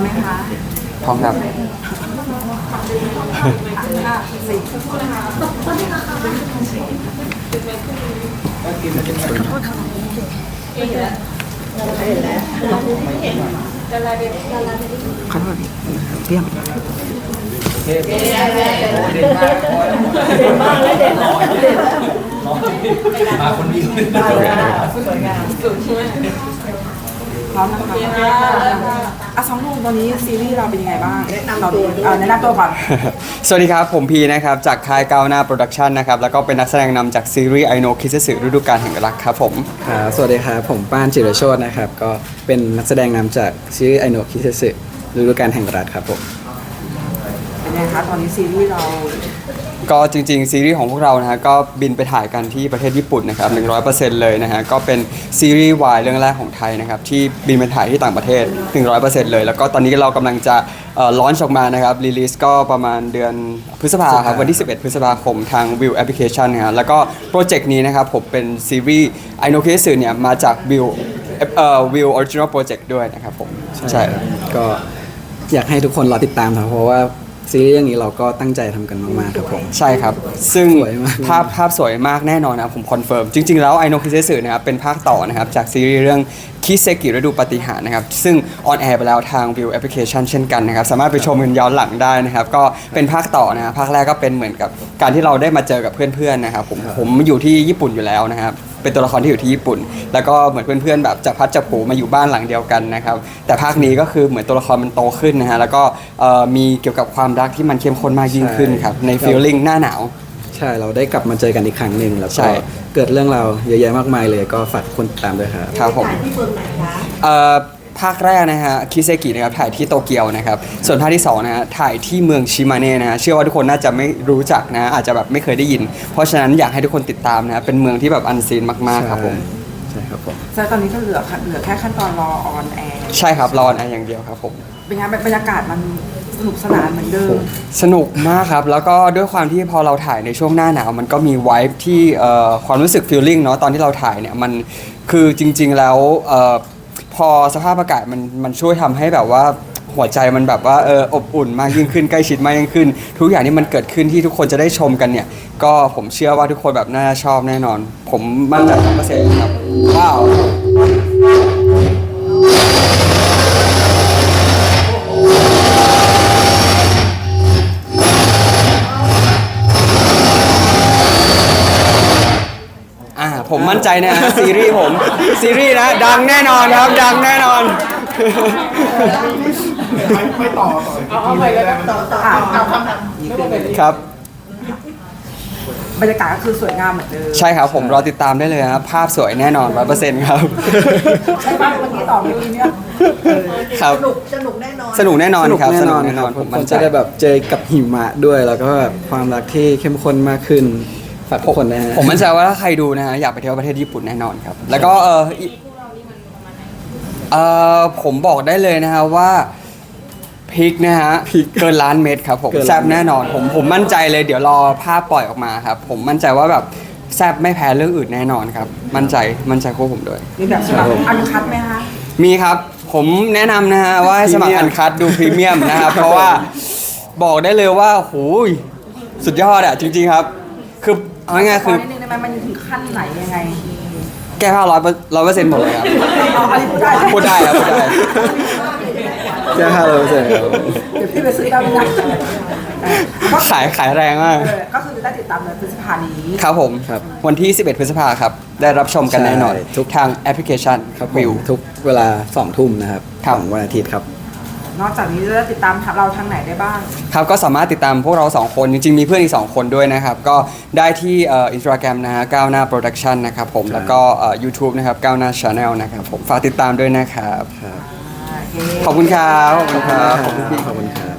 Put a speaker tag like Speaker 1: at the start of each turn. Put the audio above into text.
Speaker 1: ไหมคะ
Speaker 2: พร้อมครับ
Speaker 1: ขอโทษเพียง
Speaker 3: เด่นมากแล้วเด่นแล้วมาคนเดียวสวยงามสุดใช่ไหม
Speaker 1: พร้อมนะคะสองหนุ่มตอนนี้ซีรีส์เราเป็นยังไงบ้างแนะนำตัวก่อน
Speaker 2: สวัสดีครับผมพีนะครับจากค่ายก้าวหน้าโปรดักชันนะครับแล้วก็เป็นนักแสดงนำจากซีรีส์ไอโนคิสสึฤดูกาลแห่งรักครับผม
Speaker 4: สวัสดีครับผมป้านจิรโชตินะครับก็เป็นนักแสดงนำจากซีรีส์ไอโนคิเซสึฤดูกาลแห่งรัฐครับผม
Speaker 1: เป็นไงคะตอนนี้ซีรีส์เรา
Speaker 2: ก็จริงๆซีรีส์ของพวกเรานะฮะก็บินไปถ่ายกันที่ประเทศญี่ปุ่นนะครับ 100% เลยนะฮะก็เป็นซีรีส์วายเรื่องแรกของไทยนะครับที่บินไปถ่ายที่ต่างประเทศ 100% เลยแล้วก็ตอนนี้เรากำลังจะลอนช์ออกมานะครับรีลิสก็ประมาณเดือนพฤษภาครับวันที่ 11 พฤษภาคมทาง View Application นะฮะแล้วก็โปรเจกต์นี้นะครับผมเป็นซีรีส์ไอโนเคสึเนี่ยมาจาก View Original Project ด้วยนะครับผม
Speaker 4: ใช่ก็อยากให้ทุกคนรอติดตามครับเพราะว่าซีรีส์เรื่องนี้เราก็ตั้งใจทำกันมากๆครับผม
Speaker 2: ใช่ครับซึ่งภาพสวยมากแน่นอนนะผมคอนเฟิร์มจริงๆแล้วไอโนคิเซสึนะครับเป็นภาคต่อนะครับจากซีรีส์เรื่องคิเซกิฤดูปาฏิหาริย์นะครับซึ่งออนแอร์ไปแล้วทาง View Application เช่นกันนะครับสามารถไปชมกันย้อนหลังได้นะครับก็เป็นภาคต่อนะครับภาคแรกก็เป็นเหมือนกับการที่เราได้มาเจอกับเพื่อนๆนะครับผมอยู่ที่ญี่ปุ่นอยู่แล้วนะครับเป็นตัวละครที่อยู่ที่ญี่ปุ่นแล้วก็เหมือนเพื่อนๆแบบจับพัดจับผูมาอยู่บ้านหลังเดียวกันนะครับแต่ภาคนี้ก็คือเหมือนตัวละครมันโตขึ้นนะฮะแล้วก็มีเกี่ยวกับความรักที่มันเข้มข้นมากยิ่งขึ้นครับในฟีลลิ่งหน้าหนาว
Speaker 4: ใช่เราได้กลับมาเจอกันอีกครั้งหนึ่งแล้วก็เกิดเรื่องราวเยอะแยะมากมายเลยก็ฝากคนติดตามด้วยครับ
Speaker 2: ครับผมที่เมืองไหนคะภาคแรกนะฮะคิเซกินะครับถ่ายที่โตเกียวนะครับส่วนภาคที่2นะฮะถ่ายที่เมืองชิมาเน่นะฮะเชื่อว่าทุกคนน่าจะไม่รู้จักนะอาจจะแบบไม่เคยได้ยินเพราะฉะนั้นอยากให้ทุกคนติดตามนะเป็นเมืองที่แบบอันซีนมากๆครับผม
Speaker 4: ใช่ครับผม
Speaker 1: แต่ตอนนี้ก็เหลือแค่ขั้นตอนรอออนแอร์
Speaker 2: ใช่ครับรอออนแอร์อย่างเดียวครับผม
Speaker 1: เป็นไงบรรยากาศมันสนุกสนานเหมือนเดิม
Speaker 2: สนุกมากครับแล้วก็ด้วยความที่พอเราถ่ายในช่วงหน้าหนาวมันก็มีไวบ์ที่ความรู้สึกฟีลลิ่งเนาะตอนที่เราถ่ายเนี่ยมันคือจริงๆแล้วพอสภาพอากาศมันช่วยทำให้แบบว่าหัวใจมันแบบว่าอบอุ่นมากยิ่งขึ้นใกล้ชิดมากยิ่งขึ้นทุกอย่างที่มันเกิดขึ้นที่ทุกคนจะได้ชมกันเนี่ยก็ผมเชื่อว่าทุกคนแบบน่าชอบแน่นอนผมมั่นใจ100%ครับว้าวผมมั่นใจนะซีรีส์นะดังแน่นอนครับดังแน่นอน
Speaker 3: ไม่ต่อเอาไปแล้วต่อเอาคำถาม
Speaker 2: ครับ
Speaker 1: บรรยากาศก็คือสวยงามเหมือนเดิม
Speaker 2: ใช่ครับผมรอติดตามได้เลยครับภาพสวยแน่นอน 100% ครับ
Speaker 1: ใช่ป่ะวันนี้ต่อเมื่อกี้เนี่ย
Speaker 2: ครับสนุกแน่นอนครับสนุกแน่นอนผมมั่นใจ
Speaker 4: จะได้แบบเจอกับหิมะด้วยแล้วก็แบบความรักที่เข้มข้นมากขึ้นฝากทุกคนนะฮะ
Speaker 2: ผมมั่นใจว่าถ้าใครดูนะฮะอยากไปเที่ยวประเทศญี่ปุ่นแน่นอนครับแล้วก็ผมบอกได้เลยนะฮะว่าพริกนะฮะเกินล้านเม็ดครับผมแซ่บแน่นอนผมมั่นใจเลยเดี๋ยวรอภาพปล่อยออกมาครับผมมั่นใจว่าแบบแซ่บไม่แพ้เรื่องอื่นแน่นอนครับมั่นใจพวกผมด้วย
Speaker 1: มีแบบสมัครอันคัดไหมคะ
Speaker 2: มีครับผมแนะนำนะฮะว่าให้สมัครอันคัดดูพรีเมียมนะครับเพราะว่าบอกได้เลยว่าโหสุดยอดอะจริงๆครับคือเอาง่ายๆคือ
Speaker 1: มันถึงขั้นไหนยังไง
Speaker 2: แก้ผ้า100%หมดเลยครับพูดได้ครับพูดได้
Speaker 4: แก้ผ้า100%ครับ
Speaker 1: เดี๋ยวพี่ไปซื้อได้ไหม
Speaker 2: ขายแรงมาก
Speaker 1: ก็คือได้ติดตามในพฤษภานี้
Speaker 2: ครับผมวันที่11 พฤษภาครับได้รับชมกันแน่นอนทุกทางแอปพลิเคชัน
Speaker 4: วิวทุกเวลา 20:00 นนะครับของวันอาทิตย์ครับ
Speaker 1: นอกจากนี้จะติดตามเราทางไหนได้บ้าง
Speaker 2: ครับก็สามารถติดตามพวกเรา2คนจริงๆมีเพื่อนอีก2คนด้วยนะครับก็ได้ที่Instagram นะฮะก้าวหน้า Production นะครับผมแล้วก็YouTube นะครับก้าวหน้า Channel นะครับผมฝากติดตามด้วยนะครับขอบคุณครับขอบคุณครับ
Speaker 4: ขอบคุณครับ